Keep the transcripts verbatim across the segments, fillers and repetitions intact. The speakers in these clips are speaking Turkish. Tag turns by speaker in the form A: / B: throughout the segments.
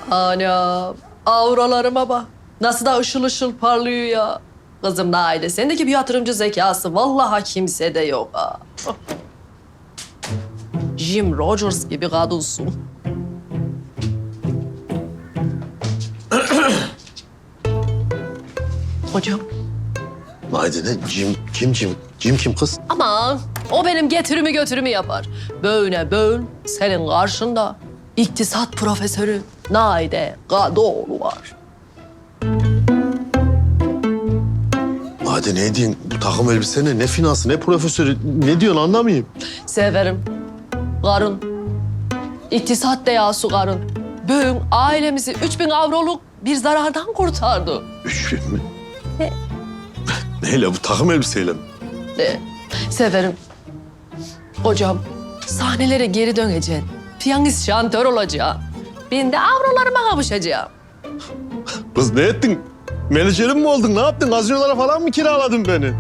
A: Anam, avralarıma bak. Nasıl da ışıl ışıl parlıyor ya. Kızım Naide, sendeki bir yatırımcı zekası vallahi kimsede yok ha. Jim Rogers gibi kadınsın. Hocam.
B: Haydi ne? Cim, kim Cim? Cim kim kız?
A: Aman o benim getirimi götürümü yapar. Böyle böyle senin karşında iktisat profesörü Naide Kadıoğlu var.
B: Haydi ne diyorsun? Bu takım elbise ne? Ne finansı, ne profesörü? Ne diyorsun anlamayayım.
A: Severim. Karın. İktisat deyası karın. Bugün ailemizi üç bin avroluk bir zarardan kurtardı.
B: Üç bin mi?
A: Ne?
B: Neyle bu takım elbiseyle mi?
A: De, severim. Hocam, sahnelere geri döneceksin. Piyanist şantör olacaksın. Ben de avrolarıma kavuşacağım.
B: Kız ne ettin? Menajerim mi oldun? Ne yaptın? Gazinolara falan mı kiraladın beni?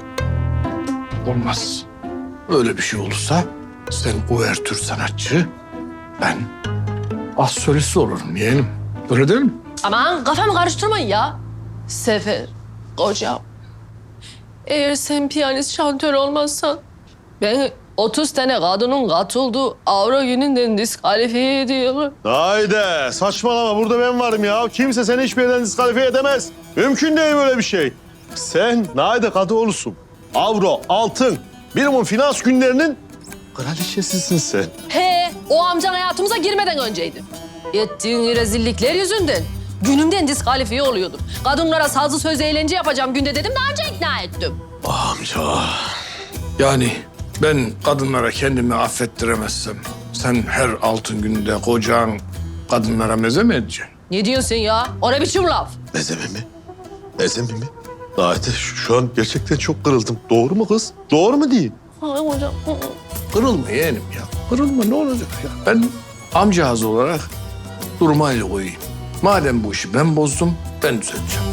C: Olmaz. Öyle bir şey olursa sen uvertür sanatçı, ben az solist olurum yeğenim. Öyle değil mi?
A: Aman kafamı karıştırmayın ya. Sefer, hocam. Eğer sen piyanist şantör olmazsan ben otuz tane kadının katıldığı avro gününden diskalifiye ediyorum.
B: Haydi saçmalama burada ben varım ya. Kimse seni hiçbir yerden diskalifiye edemez. Mümkün değil böyle bir şey. Sen Naide Kadıoğlu'sun. Avro, altın, minimum finans günlerinin kraliçesisin sen.
A: He, o amcan hayatımıza girmeden önceydi. Ettiğin rezillikler yüzünden günümden diskalifiye oluyordum. Kadınlara sazlı sözlü eğlence yapacağım günde dedim, daha önce ikna ettim.
B: Amca.
C: Yani ben kadınlara kendimi affettiremezsem sen her altın günde kocan kadınlara meze mi edeceksin?
A: Ne diyorsun ya? O ne biçim laf?
B: Mezeme mi? Mezeme mi? Naide şu, şu an gerçekten çok kırıldım. Doğru mu kız? Doğru mu değil?
A: Ay hocam.
C: Kırılma yeğenim ya. Kırılma ne olacak ya? Ben amcağız olarak duruma el koyayım. Madem bu işi ben bozdum, ben düzelteceğim.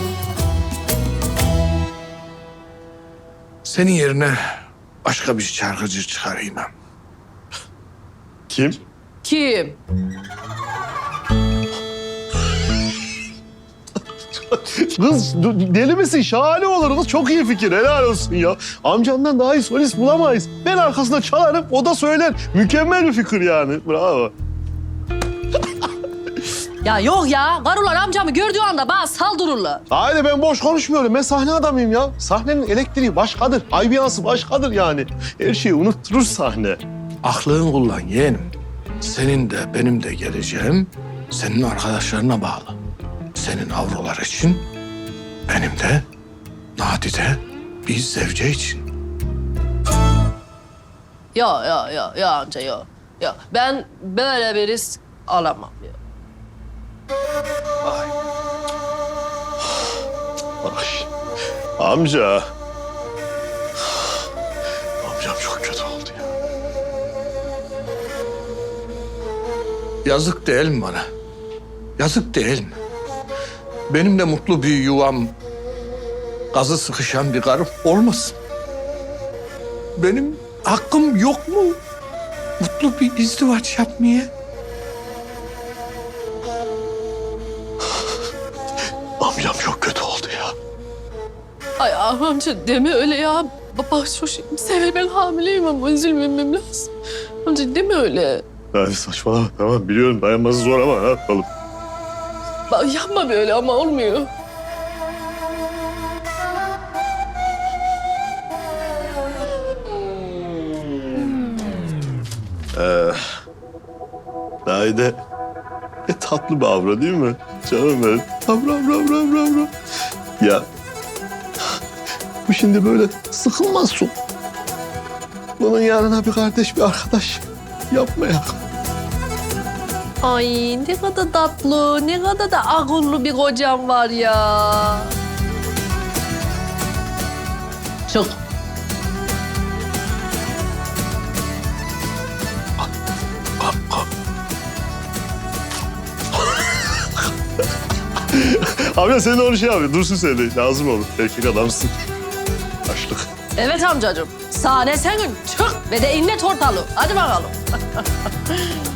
C: Senin yerine başka bir şarkıcı çıkarayım ben.
B: Kim?
A: Kim?
B: Kız deli misin? Şahane olur kız. Çok iyi fikir. Helal olsun ya. Amcamdan daha iyi solist bulamayız. Ben arkasında çalarım, o da söyler. Mükemmel bir fikir yani. Bravo.
A: Ya yok ya. Karılar amcamı gördüğü anda bana saldırırlar.
B: Haydi ben boş konuşmuyorum. Ben sahne adamıyım ya. Sahnenin elektriği başkadır. Ambiyansı başkadır yani. Her şeyi unutturur sahne.
C: Aklını kullan yeğenim. Senin de benim de geleceğim senin arkadaşlarına bağlı. Senin avrolar için, benim de nadide bir zevce için.
A: Ya ya ya ya amca ya. Ya ben böyle bir risk alamam ya.
B: Ay. Amca. Amcam çok kötü oldu ya.
C: Yazık değil mi bana? Yazık değil mi? Benim de mutlu bir yuvam, gazı sıkışan bir karım olmasın. Benim hakkım yok mu mutlu bir izdivaç yapmaya?
B: Amcam çok kötü oldu ya.
A: Ay amca deme öyle ya. Baba şu Sever ben hamileyim ama üzülmemem lazım. Amca deme öyle.
B: Hadi saçmalama. Tamam biliyorum dayanması zor ama ne yapalım.
A: Bak, yapma böyle ama olmuyor.
B: Ee, Naide ne tatlı bir avra değil mi? Canım benim. Avra, avra, avra, avra, avra. Ya bu şimdi böyle sıkılmazsın. Bunun yanına bir kardeş, bir arkadaş yapma ya.
A: Ay ne kadar tatlı, ne kadar da akıllı bir kocam var ya. Çok.
B: Abi sen de onu şey abi, dursun sen de. Lazım olur. Erkek adamsın. Açlık.
A: Evet amcacığım. Sahne senin. Çık ve de inlet ortalığı. Hadi bakalım.